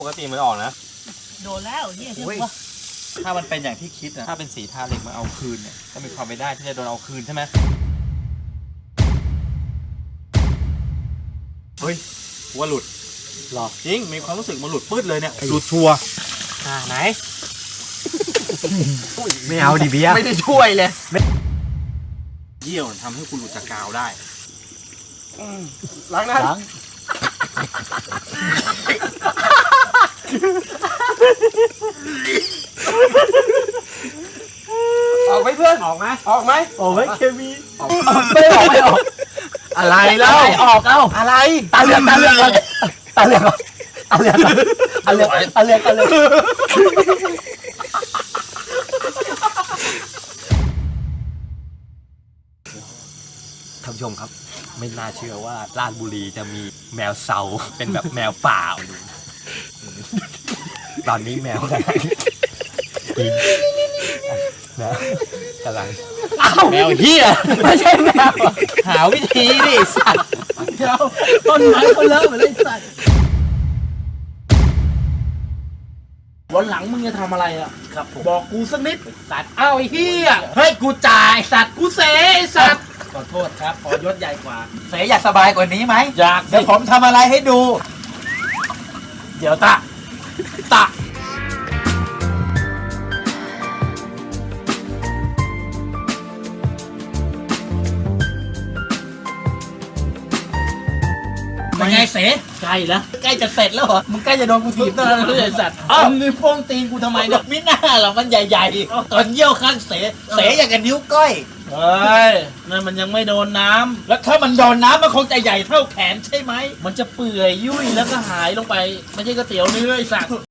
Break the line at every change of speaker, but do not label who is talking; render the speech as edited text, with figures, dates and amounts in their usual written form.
ปกติมันออกนะ
โดนแล้วเนี่ยเชื่อว่า
ถ้ามันเป็นอย่างที่คิดนะ
ถ้าเป็นสีทาเหล็กมาเอาคืนเนี่ยก็มีความไปได้ที่จะโดนเอาคืนใช่ไหมเฮ้ยว่าหลุดหรอจริงมีความรู้สึกมันหลุดปื้ดเลยเนี่ยหลุดชัวไหน
ไม่เอาดิเบียร์
ไม่ได้ช่วยเลยเยี่ยวทำให้คุณหลุดจากกาวได้ล้างนะล้างออกไหมเพื่อนออกไหมออกไหมออกไหมเคมีไม่ออกไม่ออกอะไรแล้วออกเอาอะไรตาเหลือกตาเหลือกตาเหลือกตาเหลือกตาเหลือกตาเหลือกตาเหลือกท่านผู้ชมครับไม่น่าเชื่อว่าราชบุรีจะมีแมวเซาเป็นแบบแมวป่าอยู่ตอนนี้แมวกำลังกินนะกำลังแมวเหี้ยไม่ใช่แมวหาวิธีดิสัตว์เดี๋ยวต้นไม้เขาเลิกเหมือนไอ้สัตว์
วันหลังมึงจะทำอะไรอ่ะครับบอกกูสักนิดสัตว์อ้าวไอ้เหี้ยเฮ้ยกูจ่ายสัตว์กูเสไอ้สัตว์ขอโทษครับขอยศใหญ่กว่า
เสยอยากสบายกว่านี้ไหม
อยาก
เดี๋ยวผมทำอะไรให้ดู
เดี๋ยวตะเป็นไงเสใกล้แล้วใกล้จะเสร็จแล้วเหรอมึงใกล้จะโดนกูถีบแล้วนะไอ้สัตว์อ้าวมึงโป้งตีนกูทำไมเนี่ยมิน่าหรอมันใหญ่ๆตอนเยี่ยวข้างเสอย่างกับนิ้วก้อยเฮ้ยนั่นมันยังไม่โดนน้ำแล้วถ้ามันโดนน้ำมันคงจะใหญ่เท่าแขนใช่ไหมมันจะเปื่อยยุ่ยแล้วก็หายลงไปไม่ใช่ก๋วยเตี๋ยวเนื้อไอ้สัตว์